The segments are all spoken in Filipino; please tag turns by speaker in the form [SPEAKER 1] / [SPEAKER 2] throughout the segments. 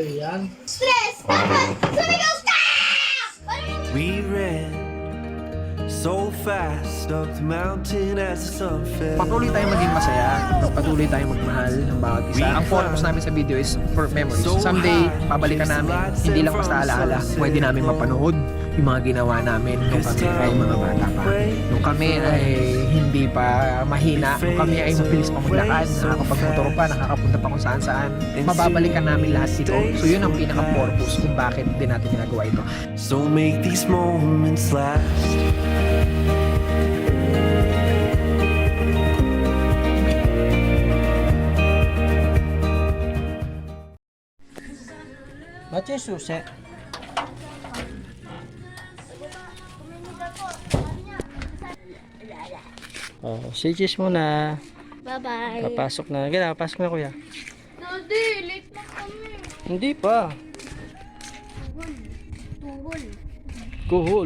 [SPEAKER 1] Korean.
[SPEAKER 2] Stress! Dapat! Sumigaw ka!
[SPEAKER 3] We ran so fast up the mountain as the sun fell.
[SPEAKER 4] Patuloy tayong maging masaya, patuloy tayong magmahal ng bawat isa. Ang focus namin sa video is for memories. Someday, pabalikan namin, hindi lang basta alaala, pwede namin mapanood yung mga ginawa namin nung kami ay mga bata pa. Nung kami ay hindi pa mahina, nung kami ay mabilis pa maglakad, nakakapagmotor pa, nakakapunta pa kung saan-saan. Mababalikan namin lahat ito. So yun ang pinaka-purpose kung bakit din natin ginagawa ito.
[SPEAKER 3] So make these moments last.
[SPEAKER 1] Ba't yung susi? Oh, CGs muna.
[SPEAKER 2] Bye-bye.
[SPEAKER 1] Papasok na. Gila, papasok na kuya.
[SPEAKER 2] Daddy, late na kami.
[SPEAKER 1] Hindi pa.
[SPEAKER 2] Tuhol.
[SPEAKER 1] Kuhol.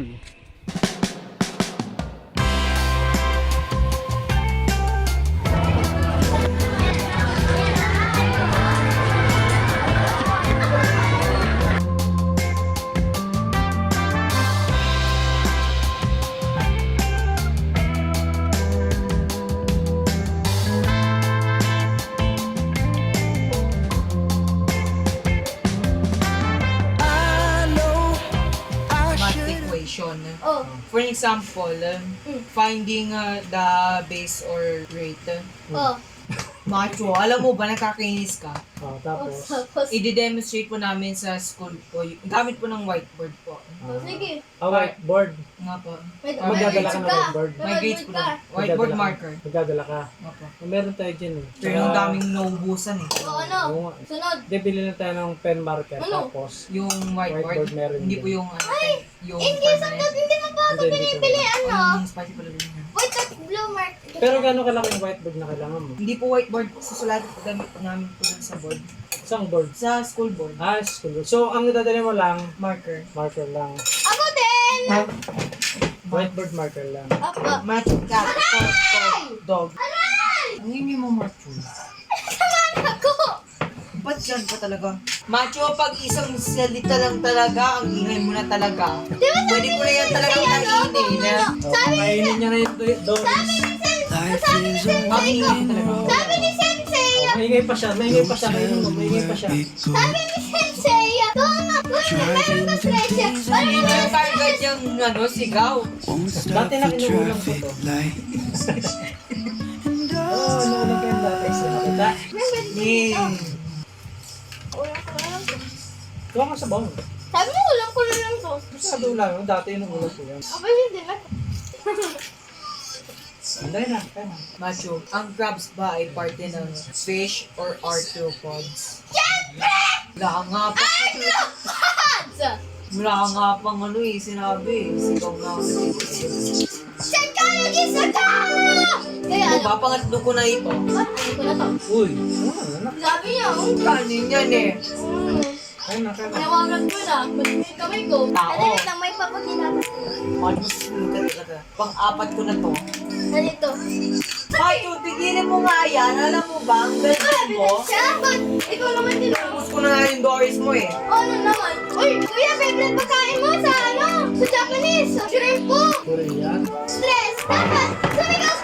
[SPEAKER 5] Math equation.
[SPEAKER 2] Oh.
[SPEAKER 5] For example, finding the base or rate.
[SPEAKER 2] Oh.
[SPEAKER 5] Macho, alam mo ba nakakainis ka?
[SPEAKER 1] Oh, tapos.
[SPEAKER 2] Tapos.
[SPEAKER 5] I-demonstrate po namin sa school po. Gamit po ng whiteboard po.
[SPEAKER 2] Oh, sige.
[SPEAKER 1] Whiteboard.
[SPEAKER 5] Nga po.
[SPEAKER 2] Wait,
[SPEAKER 1] Magdadala ka ng whiteboard.
[SPEAKER 5] May grades po na. Whiteboard marker.
[SPEAKER 1] Magdadala ka.
[SPEAKER 5] Nga po.
[SPEAKER 1] Meron tayo dyan eh.
[SPEAKER 5] Pero yung daming naubusan eh.
[SPEAKER 2] O ano?
[SPEAKER 1] Oo nga.
[SPEAKER 2] Sunod.
[SPEAKER 1] Hindi, bili na tayo ng pen marker.
[SPEAKER 2] Ano?
[SPEAKER 1] Tapos,
[SPEAKER 5] Yung
[SPEAKER 1] Whiteboard
[SPEAKER 5] whiteboard,
[SPEAKER 1] meron
[SPEAKER 5] hindi
[SPEAKER 1] din.
[SPEAKER 5] po yung ano, yung
[SPEAKER 2] Hindi, sunod. Hindi mo pa ako
[SPEAKER 1] Hindi,
[SPEAKER 2] binibili. Ano?
[SPEAKER 5] Yung spicy pala din yan.
[SPEAKER 2] Wait, that blue mark.
[SPEAKER 1] pero gano'ng kalaki yung whiteboard na kailangan mo?
[SPEAKER 5] Hindi po whiteboard, susulatin po gamit po namin po dun sa board.
[SPEAKER 1] Isang board.
[SPEAKER 5] Sa school board.
[SPEAKER 1] Ah, school board. So, ang dadali mo lang,
[SPEAKER 5] Marker.
[SPEAKER 1] marker lang.
[SPEAKER 2] Ako din!
[SPEAKER 1] Whiteboard marker lang.
[SPEAKER 2] Apa.
[SPEAKER 5] Match, cat, dog. Ang hindi mo macho.
[SPEAKER 2] Sama ako!
[SPEAKER 5] Ba't yan pa talaga? Macho, pag isang salita lang talaga, ang ingay mo na talaga. Pwede ko na yan talagang kainin.
[SPEAKER 1] Kainin niya na yung doon.
[SPEAKER 3] Life is a
[SPEAKER 5] Ang ingay mo talaga.
[SPEAKER 2] Sabi ni Sensei!
[SPEAKER 1] Maingay pa siya, maingay pa siya. Kainin mo, maingay pa siya.
[SPEAKER 2] Sabi ni Sensei! Doon na! Meron ka presya! Parang
[SPEAKER 5] Hindi na target yung ano, sigaw.
[SPEAKER 1] Dati na kinuulang ko to. Oo, nakulang ko yung dati. Nakita? Tuwa ka sa bawang.
[SPEAKER 2] Sabi mo, ulam ko na lang to.
[SPEAKER 1] Masyado lang, dati inuulang ko yan.
[SPEAKER 2] Aba, hindi na.
[SPEAKER 1] Anday na, kaya na.
[SPEAKER 5] Macho, ang crabs ba ay parte ng fish or arthropods?
[SPEAKER 2] Siyempre!
[SPEAKER 5] Wala nga pa.
[SPEAKER 2] Arthropods!
[SPEAKER 5] Wala nga pang ano eh, sinabi. Sigaw na ako.
[SPEAKER 2] Psychology sa ka! Kaya ano?
[SPEAKER 5] Papangatlo ko na ito.
[SPEAKER 2] Ba't ano ko na to?
[SPEAKER 1] Uy, ano?
[SPEAKER 2] Sabi niya,
[SPEAKER 5] Kanin yan eh.
[SPEAKER 1] Kaya na, kaya na.
[SPEAKER 2] Pinawagan ko na. Magmimit kamay ko.
[SPEAKER 5] Tao.
[SPEAKER 2] Ano yun lang, may papakinatas ko.
[SPEAKER 5] Ano talaga? Pang-apat ko na to.
[SPEAKER 2] Ganito.
[SPEAKER 5] Macho, tigilin mo nga yan. Alam mo ba, ang galing mo?
[SPEAKER 2] Siya, ba't ikaw naman din ako?
[SPEAKER 5] Tapos ko na nga yung Doris mo eh.
[SPEAKER 2] Ano naman? Uy, kuya, favorite pagkain mo sa ano? Sa Japanese. Sa shrimp po.
[SPEAKER 1] Korean.
[SPEAKER 2] Stress. Dapat. Sumigaw